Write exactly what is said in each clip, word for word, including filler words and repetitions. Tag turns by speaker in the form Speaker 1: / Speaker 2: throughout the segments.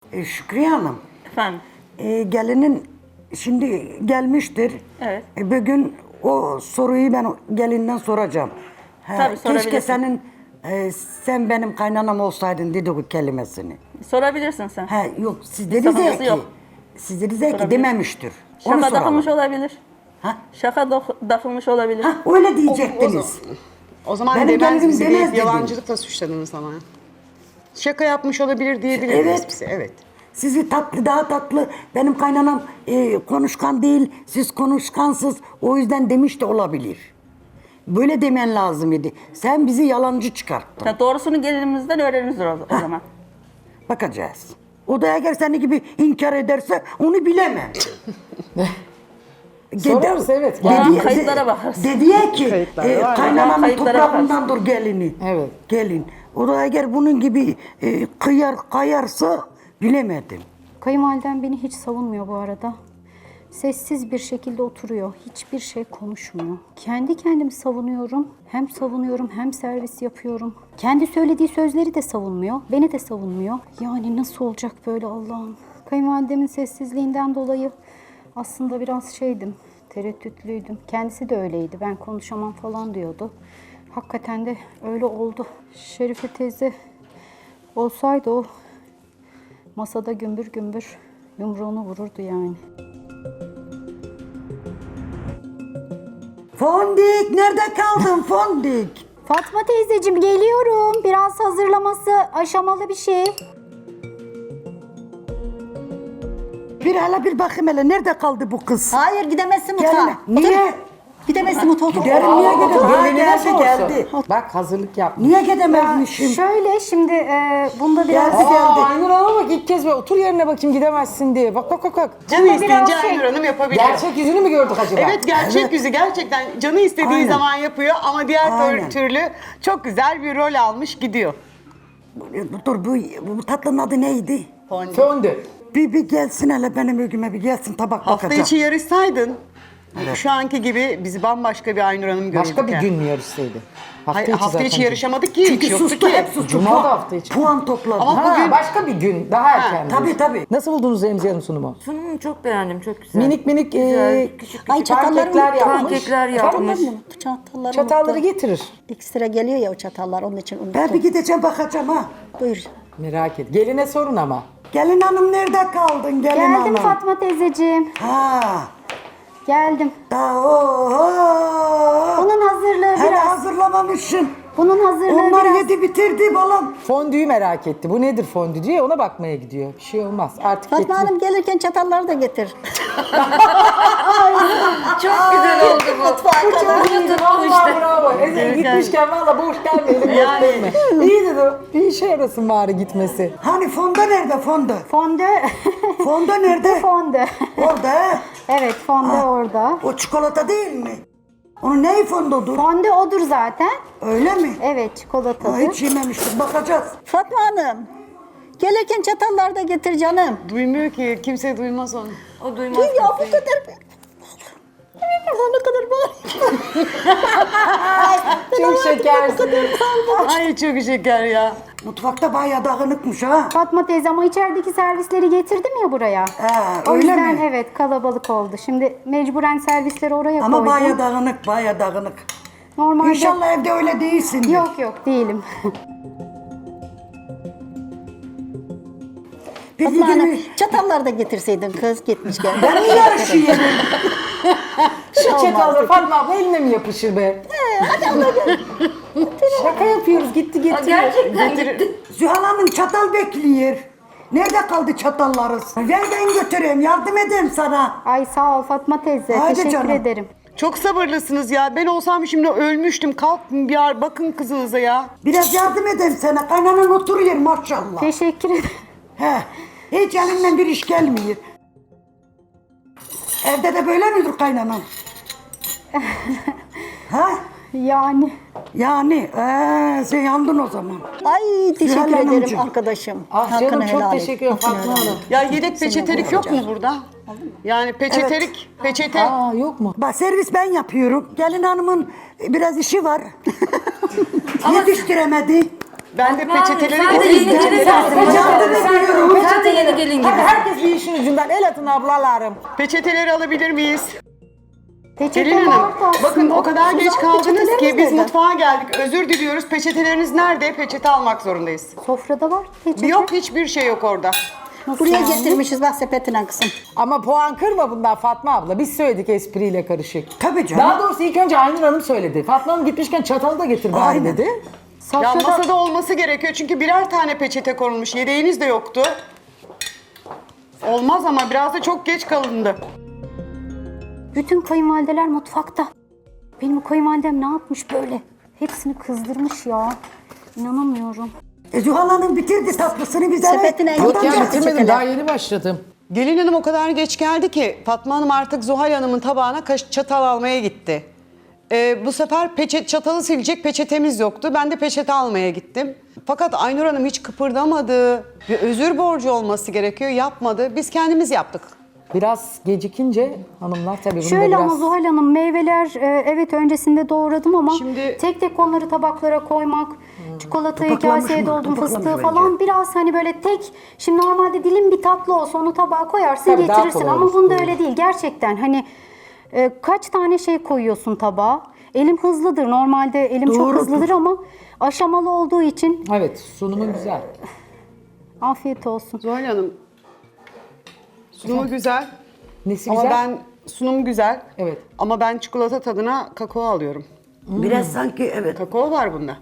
Speaker 1: E, Şükriye Hanım,
Speaker 2: Efendim?
Speaker 1: e, gelinin şimdi gelmiştir.
Speaker 2: Evet.
Speaker 1: E, bugün o soruyu ben gelinden soracağım. Ha,
Speaker 2: Tabii,
Speaker 1: keşke
Speaker 2: sorabilirsin.
Speaker 1: senin, e, sen benim kaynanam olsaydın dedi o kelimesini.
Speaker 2: Sorabilirsin sen.
Speaker 1: Ha, yok siz dediniz ya
Speaker 2: sakıncası
Speaker 1: ki,
Speaker 2: yok.
Speaker 1: siz dediniz ya ki
Speaker 2: Sorabilir.
Speaker 1: dememiştir. Onu
Speaker 2: Şaka
Speaker 1: soralım.
Speaker 2: takılmış olabilir.
Speaker 1: Ha?
Speaker 2: Şaka dok- takılmış olabilir.
Speaker 1: Ha, öyle diyecektiniz.
Speaker 3: O zaman
Speaker 1: Benim
Speaker 3: demez
Speaker 1: gelinim
Speaker 3: bizi
Speaker 1: demez
Speaker 3: deyip
Speaker 1: dedim.
Speaker 3: yalancılıkla suçladınız ama. Şaka yapmış olabilir diyebiliriz
Speaker 1: Evet.
Speaker 3: bize, evet.
Speaker 1: Sizi tatlı, daha tatlı. Benim kaynanam e, konuşkan değil, siz konuşkansız. O yüzden demiş de olabilir. Böyle demen lazım idi. Sen bizi yalancı çıkarttın.
Speaker 2: Ya doğrusunu gelinimizden öğreniriz o, o zaman.
Speaker 1: Bakacağız. O da eğer seni gibi inkar ederse onu bilemem.
Speaker 4: Sorarız, evet.
Speaker 2: Yani
Speaker 1: Dedi-
Speaker 2: kayıtlara bakarız.
Speaker 1: Dedi ya ki
Speaker 3: Kayıtlar
Speaker 1: e,
Speaker 3: var.
Speaker 1: kaynanamın
Speaker 2: Kayıtlara
Speaker 1: toprağından dur gelini.
Speaker 4: Evet.
Speaker 1: Gelin. O da eğer bunun gibi e, kıyar kayarsa bilemedim.
Speaker 5: Kayınvalidem beni hiç savunmuyor bu arada. Sessiz bir şekilde oturuyor. Hiçbir şey konuşmuyor. Kendi kendimi savunuyorum. Hem savunuyorum hem servis yapıyorum. Kendi söylediği sözleri de savunmuyor. Beni de savunmuyor. Yani nasıl olacak böyle Allah'ım? Kayınvalidemin sessizliğinden dolayı aslında biraz şeydim. Tereddütlüydüm. Kendisi de öyleydi. Ben konuşamam falan diyordu. Hakikaten de öyle oldu. Şerife teyze olsaydı o masada gümbür gümbür yumruğunu vururdu yani.
Speaker 1: Fondik nerede kaldın Fondik?
Speaker 5: Fatma teyzeciğim geliyorum. Biraz hazırlaması aşamalı bir şey.
Speaker 1: Bir hala bir bakayım hele nerede kaldı bu kız?
Speaker 6: Hayır gidemezsin
Speaker 1: Gelin.
Speaker 6: mutfağa.
Speaker 1: Niye?
Speaker 6: Gidemezsin mutfağa.
Speaker 1: Giderim niye gidemem? Ha,
Speaker 4: Gelinine
Speaker 1: geldi
Speaker 4: sorsun.
Speaker 1: geldi.
Speaker 4: Bak hazırlık yapmış.
Speaker 1: Niye gidemezmişim?
Speaker 5: Şöyle şimdi e, bunda biraz...
Speaker 1: Geldi.
Speaker 4: Aa, Aynur Hanım'a bak ilk kez böyle otur yerine bakayım gidemezsin diye. Bak bak bak bak.
Speaker 3: Canı
Speaker 5: Ama
Speaker 3: isteyince
Speaker 5: biraz şey-
Speaker 3: Aynur Hanım yapabiliyor.
Speaker 4: Gerçek yüzünü mü gördük acaba?
Speaker 3: Evet, gerçek
Speaker 1: Evet.
Speaker 3: yüzü gerçekten canı istediği
Speaker 1: Aynen.
Speaker 3: zaman yapıyor ama diğer
Speaker 1: Aynen.
Speaker 3: türlü çok güzel bir rol almış gidiyor.
Speaker 1: Dur bu, bu tatlının adı neydi?
Speaker 4: Fondü.
Speaker 1: Bir, bir gelsin hele benim ögüme bir gelsin tabak
Speaker 3: Hafta
Speaker 1: bakacağım.
Speaker 3: içi yarışsaydın şu anki gibi bizi bambaşka bir Aynur Hanım görürdük.
Speaker 4: Başka bir
Speaker 3: yani.
Speaker 4: gün mü yarışsaydı? Hafta
Speaker 3: Hayır,
Speaker 4: içi
Speaker 3: hafta
Speaker 4: zaten.
Speaker 3: içi yarışamadık ki.
Speaker 1: Çünkü
Speaker 3: hiç yoktu
Speaker 1: sustu
Speaker 3: ki.
Speaker 1: hep sustu.
Speaker 4: Cuma
Speaker 1: Puan-
Speaker 4: da hafta içi.
Speaker 1: Puan topladı.
Speaker 3: Ama
Speaker 4: Ha,
Speaker 3: bugün-
Speaker 4: başka bir gün. Daha erken.
Speaker 1: Tabii tabii.
Speaker 4: Nasıl buldunuz Remziye Hanım sunumu?
Speaker 7: Sunumu çok beğendim, çok güzel.
Speaker 4: Minik minik
Speaker 7: Güzel,
Speaker 4: e,
Speaker 7: küçük küçük
Speaker 6: Ay çatalları
Speaker 4: pankekler
Speaker 6: unuttum.
Speaker 4: yapmış.
Speaker 7: pankekler
Speaker 4: Efendim?
Speaker 7: yapmış.
Speaker 6: Çatalları
Speaker 4: Çatalları
Speaker 6: unuttum.
Speaker 4: getirir.
Speaker 6: İlk sıra geliyor ya o çatallar onun için unuttum.
Speaker 1: Ben bir gideceğim bakacağım ha.
Speaker 6: Buyur.
Speaker 4: Merak et. Geline sorun ama.
Speaker 1: Gelin hanım nerede kaldın gelin
Speaker 5: Geldim
Speaker 1: hanım?
Speaker 5: Fatma teyzeciğim.
Speaker 1: Ha.
Speaker 5: Geldim.
Speaker 1: Daha oho.
Speaker 5: Bunun hazırlığı
Speaker 1: Hele
Speaker 5: biraz.
Speaker 1: hazırlamamışsın.
Speaker 5: Bunun hazırlığı
Speaker 1: Onlar
Speaker 5: biraz.
Speaker 1: yedi bitirdi balam.
Speaker 4: Fondüyü merak etti. Bu nedir fondü diye ona bakmaya gidiyor. Bir şey olmaz. Artık
Speaker 6: Fatma
Speaker 4: getirir.
Speaker 6: Hanım gelirken çatalları da getir.
Speaker 7: Çok güzel oldu bu. Bunu tuttu
Speaker 4: Vallahi
Speaker 7: işte.
Speaker 4: bravo. Ezel gitmişken valla boş gelmeyelim. Yani. İyi dedi. Bir işe yarasın bari gitmesi.
Speaker 1: Hani fonda nerede fonda?
Speaker 5: Fondö.
Speaker 1: Fonda nerede?
Speaker 5: Fondö.
Speaker 1: Orada he.
Speaker 5: Evet fondö orada.
Speaker 1: O çikolata değil mi? Onun neyi fondodur?
Speaker 5: Fondö odur zaten.
Speaker 1: Öyle mi?
Speaker 5: Evet
Speaker 1: Ha,
Speaker 5: çikolatadır.
Speaker 1: hiç yememiştik bakacağız.
Speaker 6: Fatma Hanım. Gelirken çatalları da getir canım.
Speaker 3: Duymuyor ki, kimse duymaz onu.
Speaker 7: O duymaz.
Speaker 6: Dur ya bu
Speaker 7: kimseyi.
Speaker 6: kadar. Ne kadar bağır.
Speaker 4: Çok şekersin.
Speaker 3: Ay çok şeker ya.
Speaker 1: Mutfakta bayağı dağınıkmış ha.
Speaker 5: Fatma teyze ama içerideki servisleri getirdim ya buraya.
Speaker 1: Ha,
Speaker 5: O
Speaker 1: öyle
Speaker 5: yüzden
Speaker 1: mi?
Speaker 5: evet kalabalık oldu. Şimdi mecburen servisleri oraya
Speaker 1: Ama
Speaker 5: koydum.
Speaker 1: bayağı dağınık, bayağı dağınık.
Speaker 5: Normalde...
Speaker 1: İnşallah evde öyle değilsin.
Speaker 5: Yok yok değilim.
Speaker 1: Bir
Speaker 6: Fatma Hanım
Speaker 1: gibi
Speaker 6: çatalları da getirseydin kız gitmişken.
Speaker 1: ben mi yarışayım?
Speaker 4: Şu çatalları Fatma abla eline mi yapışır be? Şaka yapıyoruz. Gitti
Speaker 7: Aa,
Speaker 4: getiriyor.
Speaker 7: gerçekten gitti.
Speaker 1: Zühal Hanım çatal bekliyor. Nerede kaldı çatallarız? Ver ben götüreyim, yardım edeyim sana.
Speaker 5: Ay sağ ol Fatma teyze.
Speaker 1: Hadi
Speaker 5: Teşekkür
Speaker 1: canım.
Speaker 5: ederim.
Speaker 3: Çok sabırlısınız ya. Ben olsam şimdi ölmüştüm. Kalkın bir ar- bakın kızınıza ya.
Speaker 1: Biraz yardım edeyim sana. Kaynanan oturuyor maşallah.
Speaker 5: Teşekkür ederim.
Speaker 1: He. Hiç elinden bir iş gelmiyor. Evde de böyle midir kaynanan? ha?
Speaker 5: Yani
Speaker 1: Yani ee, sen yandın o zaman.
Speaker 6: Ay teşekkür
Speaker 1: Zühal
Speaker 6: ederim
Speaker 1: Hanımcığım.
Speaker 6: arkadaşım.
Speaker 4: Ah
Speaker 6: Hakkını
Speaker 4: canım çok
Speaker 6: helal et.
Speaker 4: teşekkür ederim
Speaker 6: Hakkını
Speaker 4: Fatma
Speaker 6: helal et.
Speaker 4: Hanım.
Speaker 3: Ya yedek peçetelik yok mu burada? Yani peçetelik, peçete.
Speaker 4: Aa yok mu?
Speaker 1: Bak servis ben yapıyorum. Gelin hanımın biraz işi var. Yetiştiremedi.
Speaker 3: Ben de
Speaker 7: Fatma abi,
Speaker 3: peçeteleri
Speaker 7: sen de
Speaker 3: getireyim.
Speaker 7: yeni gelin
Speaker 3: Peçeteleri-
Speaker 7: misin?
Speaker 1: Yardım ediyorum.
Speaker 7: Sen de yeni gelin
Speaker 1: dediğin
Speaker 4: Hadi
Speaker 1: gibi.
Speaker 4: herkes bir işin ucundan el atın ablalarım.
Speaker 3: Peçeteleri alabilir miyiz?
Speaker 5: Peçete
Speaker 3: Gelin Hanım,
Speaker 5: vardı aslında.
Speaker 3: bakın o kadar geç
Speaker 6: Suzan,
Speaker 3: kaldınız ki
Speaker 6: peçeteleriniz
Speaker 3: biz
Speaker 6: nerede?
Speaker 3: mutfağa geldik. Özür diliyoruz. Peçeteleriniz nerede? Peçete almak zorundayız.
Speaker 5: Sofrada var peçete.
Speaker 3: Yok, hiçbir şey yok orada.
Speaker 5: Nasıl
Speaker 6: Buraya
Speaker 5: yani?
Speaker 6: getirmişiz bak sepetine kızım.
Speaker 4: Ama puan kırma bundan Fatma abla. Biz söyledik espriyle karışık.
Speaker 1: Tabii canım.
Speaker 4: Daha doğrusu ilk önce Aynur Hanım söyledi. Fatma Hanım gitmişken çatalı da getir bari
Speaker 1: Aynen.
Speaker 4: dedi.
Speaker 3: Ya
Speaker 5: Sofrada
Speaker 3: masada olması gerekiyor çünkü birer tane peçete konulmuş. Yedeğiniz de yoktu. Olmaz ama biraz da çok geç kalındı.
Speaker 5: bütün kayınvalideler mutfakta. Benim kayınvalidem ne yapmış böyle? Hepsini kızdırmış ya. İnanamıyorum.
Speaker 1: E, Zuhal Hanım bitirdi tatlısını bize.
Speaker 6: Sepetine
Speaker 1: Tadacak.
Speaker 6: Yok ya,
Speaker 4: bitirmedim daha yeni başladım.
Speaker 3: Gelin hanım o kadar geç geldi ki Fatma Hanım artık Zuhal Hanım'ın tabağına kaş- çatal almaya gitti. Ee, bu sefer peçet, çatalı silecek peçetemiz yoktu. Ben de peçete almaya gittim. Fakat Aynur Hanım hiç kıpırdamadı. Bir özür borcu olması gerekiyor. Yapmadı. Biz kendimiz yaptık.
Speaker 4: Biraz gecikince hanımlar tabii bunu
Speaker 5: Şöyle
Speaker 4: da biraz...
Speaker 5: ama Zuhal Hanım meyveler e, evet öncesinde doğradım ama
Speaker 3: Şimdi-
Speaker 5: tek tek onları tabaklara koymak, çikolatayı
Speaker 1: Topaklamış
Speaker 5: kaseye
Speaker 1: mı?
Speaker 5: doldum,
Speaker 1: Topaklamış
Speaker 5: fıstığı
Speaker 1: bence.
Speaker 5: falan biraz hani böyle tek, şimdi normalde dilim bir tatlı olsa onu tabağa koyarsın
Speaker 4: Tabii daha
Speaker 5: getirirsin
Speaker 4: kolay
Speaker 5: ama
Speaker 4: olur.
Speaker 5: bunda öyle değil gerçekten hani e, kaç tane şey koyuyorsun tabağa. Elim hızlıdır normalde elim çok
Speaker 1: Doğrudur.
Speaker 5: hızlıdır ama aşamalı olduğu için
Speaker 4: Evet sunumun güzel.
Speaker 5: afiyet olsun.
Speaker 3: Zuhal Hanım, sunumu güzel.
Speaker 4: Nesi
Speaker 3: Ama
Speaker 4: güzel?
Speaker 3: ben sunum güzel.
Speaker 4: Evet.
Speaker 3: Ama ben çikolata tadına kakao alıyorum.
Speaker 1: Biraz sanki evet.
Speaker 3: Kakao var bunda.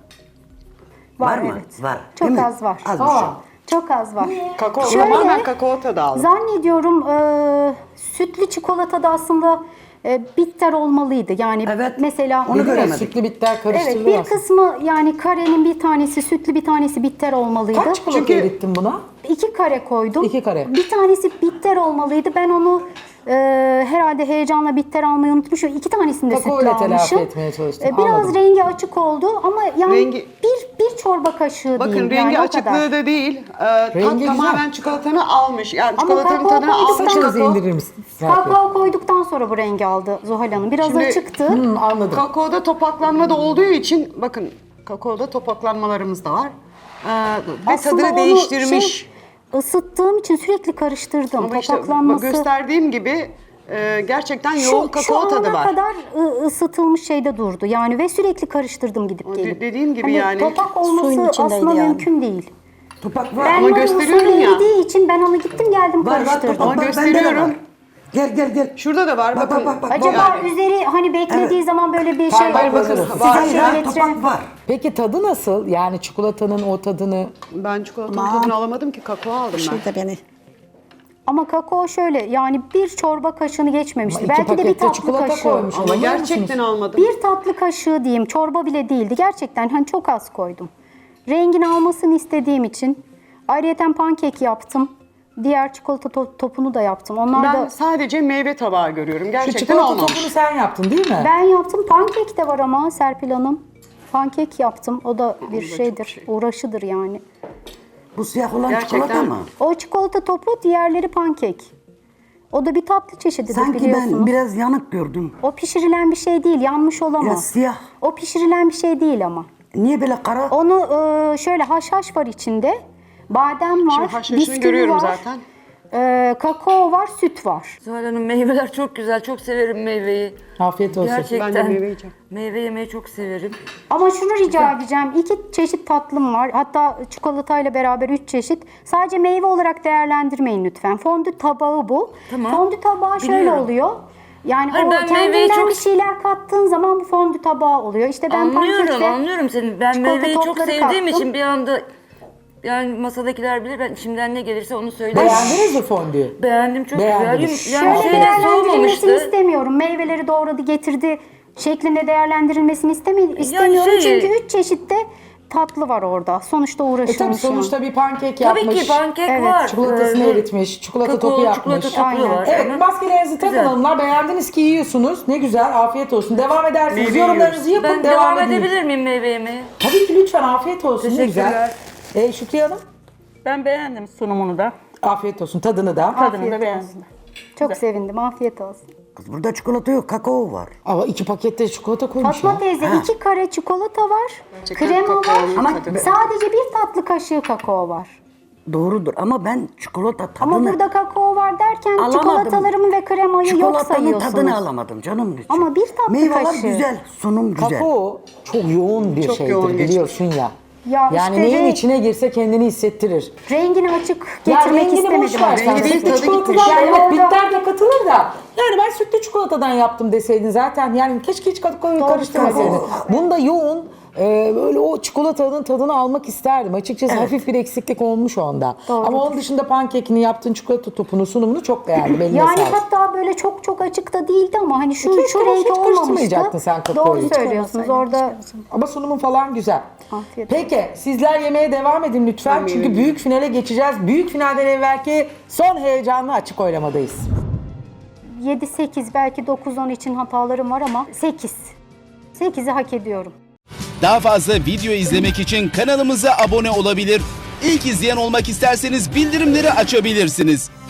Speaker 1: Var mı?
Speaker 5: Evet.
Speaker 1: Var.
Speaker 5: Çok
Speaker 1: Değil mi?
Speaker 5: az var.
Speaker 1: Az bir
Speaker 4: Aa.
Speaker 1: şey.
Speaker 5: Çok az var.
Speaker 3: Kakao,
Speaker 5: Şöyle-
Speaker 3: tamamen kakao tadı aldım.
Speaker 5: Zannediyorum e, sütlü çikolata da aslında e, bitter olmalıydı. Yani
Speaker 1: Evet.
Speaker 5: mesela
Speaker 1: Onu
Speaker 4: Dedim ya,
Speaker 1: göremedik.
Speaker 4: sütlü bitter
Speaker 5: evet
Speaker 4: karıştırılır
Speaker 5: bir
Speaker 4: aslında.
Speaker 5: kısmı yani karenin bir tanesi sütlü bir tanesi bitter olmalıydı.
Speaker 4: Kaç çikolata
Speaker 3: Çünkü-
Speaker 4: erittin buna?
Speaker 5: İki kare koydum.
Speaker 4: İki kare.
Speaker 5: Bir tanesi bitter olmalıydı. Ben onu e, herhalde heyecanla bitter almayı unutmuşum. İki tanesini de
Speaker 4: Kakao
Speaker 5: sütlü
Speaker 4: ile telafi
Speaker 5: almışım.
Speaker 4: etmeye çalıştın.
Speaker 5: E, biraz
Speaker 4: Anladım.
Speaker 5: rengi açık oldu ama yani
Speaker 3: Rengi-
Speaker 5: bir bir çorba kaşığı
Speaker 3: Bakın
Speaker 5: diyeyim.
Speaker 3: rengi
Speaker 5: yani o
Speaker 3: açıklığı
Speaker 5: kadar.
Speaker 3: da değil. Ee, tat
Speaker 4: Rengi
Speaker 3: tamamen çikolatanı almış. Yani
Speaker 5: Ama
Speaker 3: çikolatanın
Speaker 5: kakao
Speaker 3: tadını
Speaker 5: koyduktan
Speaker 3: almış.
Speaker 4: Saçınızı
Speaker 3: kakao.
Speaker 4: indirir misiniz? Serpil?
Speaker 5: Kakao koyduktan sonra bu rengi aldı Zuhal Hanım. Biraz
Speaker 3: Şimdi-
Speaker 5: açıktı.
Speaker 4: Hmm, anladım.
Speaker 3: Kakaoda topaklanma da olduğu için bakın kakaoda topaklanmalarımız da var. Ee, ve
Speaker 5: Aslında
Speaker 3: tadını
Speaker 5: onu
Speaker 3: değiştirmiş.
Speaker 5: Şey, ısıttığım için sürekli karıştırdım.
Speaker 3: Ama işte
Speaker 5: Topaklanması.
Speaker 3: bak gösterdiğim gibi e, gerçekten
Speaker 5: şu,
Speaker 3: yoğun
Speaker 5: şu
Speaker 3: kakao tadı
Speaker 5: ana
Speaker 3: var.
Speaker 5: kadar ı, ısıtılmış şeyde durdu. Yani ve sürekli karıştırdım gidip
Speaker 3: O de-
Speaker 5: gelip.
Speaker 3: dediğim gibi
Speaker 5: Hani
Speaker 3: yani.
Speaker 5: topak
Speaker 6: Suyun
Speaker 5: olması
Speaker 6: içindeydi
Speaker 5: aslında
Speaker 6: yani.
Speaker 5: mümkün değil.
Speaker 1: Topak var.
Speaker 5: Ben
Speaker 3: Ama
Speaker 5: böyle
Speaker 3: gösteriyorum
Speaker 5: usulü
Speaker 3: ya.
Speaker 5: eridiği için ben onu gittim geldim
Speaker 1: Var var
Speaker 5: karıştırdım.
Speaker 1: topak
Speaker 3: Ama
Speaker 1: var. Bende de
Speaker 3: gösteriyorum.
Speaker 1: var. Gel gel gel.
Speaker 3: Şurada da var
Speaker 1: Bak
Speaker 3: bakın.
Speaker 1: bak bak. bak.
Speaker 5: Acaba
Speaker 3: Yani.
Speaker 5: üzeri hani beklediği zaman böyle bir şey
Speaker 4: Hayır, bakın,
Speaker 1: Size
Speaker 3: var.
Speaker 1: hayır,
Speaker 5: Şöyle
Speaker 1: topak var.
Speaker 4: Peki tadı nasıl? Yani çikolatanın o tadını...
Speaker 3: Ben çikolatanın
Speaker 6: Aman.
Speaker 3: tadını alamadım ki kakao aldım ben.
Speaker 6: Şurada beni.
Speaker 5: Ama kakao şöyle yani bir çorba kaşığını geçmemişti.
Speaker 4: Ama iki
Speaker 5: Belki de bir
Speaker 4: pakette
Speaker 5: tatlı
Speaker 4: çikolata
Speaker 5: kaşığı.
Speaker 4: koymuş.
Speaker 3: Ama
Speaker 4: Anlamıyor
Speaker 3: gerçekten
Speaker 4: musunuz?
Speaker 3: almadım.
Speaker 5: Bir tatlı kaşığı diyeyim, çorba bile değildi. Gerçekten hani çok az koydum. Rengini almasını istediğim için. Ayrıyeten pankek yaptım. Diğer çikolata to- topunu da yaptım. Onlar
Speaker 3: Ben
Speaker 5: da
Speaker 3: sadece meyve tabağı görüyorum.
Speaker 4: Şu
Speaker 3: Gerçekten
Speaker 4: çikolata
Speaker 3: olmamış.
Speaker 4: topunu sen yaptın değil mi?
Speaker 5: ben yaptım. Pankek de var ama Serpil Hanım. Pankek yaptım. O da bir şeydir. Uğraşıdır yani.
Speaker 1: Bu siyah olan
Speaker 3: Gerçekten.
Speaker 1: çikolata mı?
Speaker 5: O çikolata topu, diğerleri pankek. O da bir tatlı çeşididir
Speaker 1: Sanki
Speaker 5: biliyorsunuz.
Speaker 1: ben biraz yanık gördüm.
Speaker 5: O pişirilen bir şey değil. Yanmış
Speaker 1: Biraz
Speaker 5: olamaz.
Speaker 1: siyah.
Speaker 5: O pişirilen bir şey değil ama.
Speaker 1: Niye böyle kara?
Speaker 5: Onu e, şöyle haşhaş var içinde. Badem var,
Speaker 3: Şimdi haşhaşını
Speaker 5: bisküvi
Speaker 3: görüyorum
Speaker 5: var,
Speaker 3: zaten.
Speaker 5: e, kakao var, süt var.
Speaker 7: Zuhal Hanım meyveler çok güzel. Çok severim meyveyi.
Speaker 4: Afiyet olsun.
Speaker 7: Gerçekten.
Speaker 3: Ben de meyve yiyeceğim.
Speaker 7: Meyve yemeyi çok severim.
Speaker 5: Ama şunu rica edeceğim. İki çeşit tatlım var. Hatta çikolatayla beraber üç çeşit. Sadece meyve olarak değerlendirmeyin lütfen. Fondü tabağı bu.
Speaker 7: Tamam.
Speaker 5: Fondü tabağı şöyle
Speaker 7: Biliyorum.
Speaker 5: oluyor. Yani
Speaker 7: Hayır,
Speaker 5: o
Speaker 7: ben meyveyi
Speaker 5: kendinden
Speaker 7: çok-
Speaker 5: bir şeyler kattığın zaman bu fondü tabağı oluyor. İşte ben
Speaker 7: anlıyorum,
Speaker 5: pankekte
Speaker 7: anlıyorum seni. Ben
Speaker 5: çikolata
Speaker 7: meyveyi çok
Speaker 5: topları
Speaker 7: sevdiğim
Speaker 5: kattım.
Speaker 7: için bir anda yani masadakiler bilir. Ben içimden ne gelirse onu söylerim.
Speaker 4: Beğendiniz mi fondüyü?
Speaker 7: Beğendim çok
Speaker 4: Beğendiniz.
Speaker 7: güzel. Yani
Speaker 5: Şöyle
Speaker 7: şeyde
Speaker 5: değerlendirilmesini
Speaker 7: soğumamıştı.
Speaker 5: istemiyorum. Meyveleri doğradı, getirdi şeklinde değerlendirilmesini istemi- istemiyorum.
Speaker 7: şey-
Speaker 5: Çünkü üç çeşit de tatlı var orada. Sonuçta
Speaker 4: E tabii
Speaker 5: uğraşılmış.
Speaker 4: sonuçta bir pankek yapmış.
Speaker 7: Tabii ki pankek
Speaker 5: Evet.
Speaker 7: var.
Speaker 4: Çikolatasını
Speaker 7: Ee,
Speaker 4: eritmiş, çikolata
Speaker 7: kakao,
Speaker 4: topu yapmış.
Speaker 7: çikolata topu
Speaker 5: Aynen.
Speaker 7: var.
Speaker 4: Evet
Speaker 7: Ama-
Speaker 4: maskelerinizi takın
Speaker 7: Güzel.
Speaker 4: hanımlar. Beğendiniz ki yiyorsunuz. Ne güzel afiyet olsun. Devam edersiniz.
Speaker 3: Meyve
Speaker 4: Yorumlarınızı yapın
Speaker 7: Ben
Speaker 4: devam,
Speaker 7: devam
Speaker 4: edin.
Speaker 7: edebilir miyim meyve yemeye?
Speaker 4: Tabii ki lütfen afiyet olsun. Ne güzel.
Speaker 7: Teşekkürler.
Speaker 4: E, Şükriye Hanım
Speaker 2: Ben beğendim sunumunu da.
Speaker 4: afiyet olsun tadını da.
Speaker 2: Tadını da beğendim.
Speaker 5: Çok sevindim. Afiyet olsun.
Speaker 1: Kız burada çikolata yok, kakao var.
Speaker 4: Ama iki pakette çikolata koymuş
Speaker 5: Fatma
Speaker 4: ya.
Speaker 5: teyze iki kare çikolata var.
Speaker 3: Gerçekten
Speaker 5: Krema var.
Speaker 3: kakaonun
Speaker 5: Ama
Speaker 3: tadı.
Speaker 5: sadece bir tatlı kaşığı kakao var.
Speaker 1: Doğrudur ama ben çikolata tadını
Speaker 5: Ama burada kakao var derken
Speaker 1: alamadım.
Speaker 5: çikolatalarımı ve kremayı yok
Speaker 1: Çikolatanın
Speaker 5: sayıyorsunuz.
Speaker 1: tadını alamadım canım. için.
Speaker 5: Ama bir tatlı
Speaker 1: Meyveler
Speaker 5: kaşığı.
Speaker 1: güzel, sunum güzel.
Speaker 4: Kakao çok yoğun bir
Speaker 3: Çok
Speaker 4: şeydir
Speaker 3: yoğun geçmiş.
Speaker 4: biliyorsun ya.
Speaker 5: Ya
Speaker 4: yani
Speaker 5: işte
Speaker 4: neyin
Speaker 5: renk-
Speaker 4: içine girse kendini hissettirir.
Speaker 5: Rengini açık
Speaker 4: Ya
Speaker 5: getirmek
Speaker 4: rengini
Speaker 5: istemedim.
Speaker 4: boş ver sen.
Speaker 3: Rengi değil,
Speaker 4: Sütlü
Speaker 3: tadı
Speaker 4: çikolatadan
Speaker 3: gitmiş.
Speaker 4: evet
Speaker 5: Orada-
Speaker 4: bitter de katılır da. Yani ben sütlü çikolatadan yaptım deseydin zaten. Yani keşke hiç kakaoyu
Speaker 5: Doğru
Speaker 4: karıştırmasaydın.
Speaker 5: söylüyorsun.
Speaker 4: Bunda yoğun e, böyle o çikolatanın tadını almak isterdim. Açıkçası hafif bir eksiklik olmuş onda.
Speaker 5: Doğrudur.
Speaker 4: Ama onun dışında pankekini yaptığın çikolata topunu sunumunu çok beğendim. Eline
Speaker 5: Yani
Speaker 4: sağlık.
Speaker 5: hatta böyle çok çok açık da değildi ama hani şu,
Speaker 4: Hiç
Speaker 5: şu
Speaker 4: hiç
Speaker 5: renk
Speaker 4: karıştırmayacaktın
Speaker 5: olmamıştı.
Speaker 4: sen kakaoyu.
Speaker 5: Doğru
Speaker 4: Hiç
Speaker 5: söylüyorsunuz orada.
Speaker 4: Ama sunumun falan güzel.
Speaker 5: Afiyet
Speaker 4: Peki sizler yemeğe devam edin lütfen. Çünkü büyük finale geçeceğiz. Büyük finalden evvelki son heyecanlı açık oylamadayız.
Speaker 5: yedi sekiz belki dokuz on için hatalarım var ama sekiz. sekizi hak ediyorum.
Speaker 8: Daha fazla video izlemek için kanalımıza abone olabilir. İlk izleyen olmak isterseniz bildirimleri açabilirsiniz.